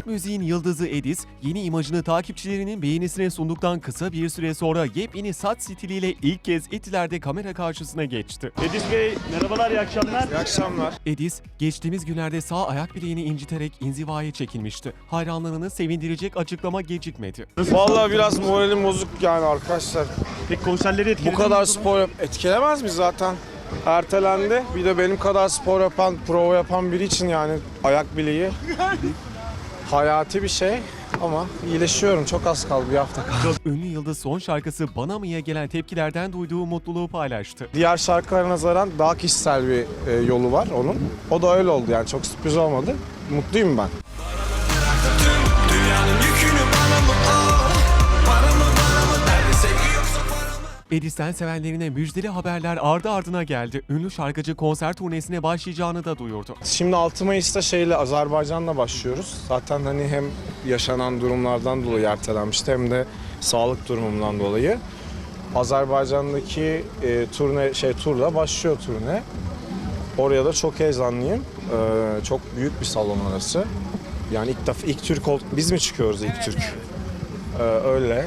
müziğin yıldızı Edis, yeni imajını takipçilerinin beğenisine sunduktan kısa bir süre sonra yepyeni saç stiliyle ilk kez Etiler'de kamera karşısına geçti. Edis Bey merhabalar, iyi akşamlar. İyi akşamlar. Edis, geçtiğimiz günlerde sağ ayak bileğini inciterek inzivaya çekilmişti. Hayranlarını sevindirecek açıklama gecikmedi. Vallahi biraz moralim bozuk yani arkadaşlar. Peki konserleri etkiledi Bu kadar mi? spor etkilemez mi zaten? Ertelendi. Bir de benim kadar spor yapan, prova yapan biri için yani ayak bileği hayati bir şey. Ama iyileşiyorum. Çok az kaldı, bir hafta kaldı. Ünlü yıldız son şarkısı Bana Mı'ya gelen tepkilerden duyduğu mutluluğu paylaştı. Diğer şarkılara nazaran daha kişisel bir yolu var onun. O da öyle oldu yani, çok sürpriz olmadı. Mutluyum ben. Dünyanın yükünü bana mı al? Para mı nerede sevgi yoksa para mı? Edis'ten sevenlerine müjdeli haberler ardı ardına geldi. Ünlü şarkıcı konser turnesine başlayacağını da duyurdu. Şimdi 6 Mayıs'ta Azerbaycan'la başlıyoruz. Zaten hani hem yaşanan durumlardan dolayı ertelenmişti hem de sağlık durumundan dolayı. Azerbaycan'daki turla başlıyor turne. Oraya da çok heyecanlıyım. Çok büyük bir salon orası. Yani ilk Türk olduk. Biz mi çıkıyoruz ilk Türk? Öyle.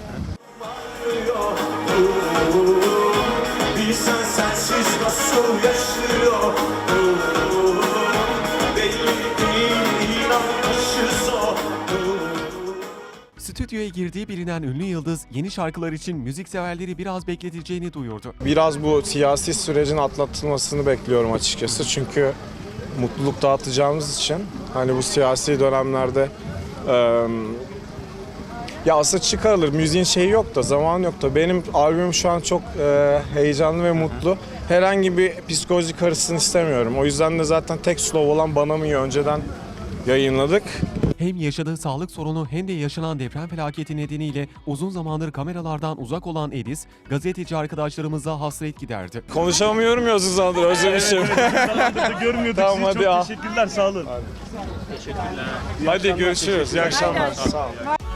Bilsen sensiz nasıl yaşıyor? Belli değil, inanmışız o. Stüdyoya girdiği bilinen ünlü yıldız yeni şarkılar için müzikseverleri biraz bekleteceğini duyurdu. Biraz bu siyasi sürecin atlatılmasını bekliyorum açıkçası. Çünkü mutluluk dağıtacağımız için hani bu siyasi dönemlerde ya aslında çıkarılır. Müziğin şeyi yok da, zamanı yok da. Benim albümüm şu an çok heyecanlı ve mutlu. Herhangi bir psikoloji karışsın istemiyorum. O yüzden de zaten tek slow olan Bana Mı'yı önceden yayınladık. Hem yaşadığı sağlık sorunu hem de yaşanan deprem felaketi nedeniyle uzun zamandır kameralardan uzak olan Edis, gazeteci arkadaşlarımıza hasret giderdi. Konuşamıyorum ya uzun zamandır, özlemişim. Görmüyorduk Tamam, sizi. hadi Çok al. teşekkürler, sağ olun. Hadi görüşürüz. İyi akşamlar. Sağ olun.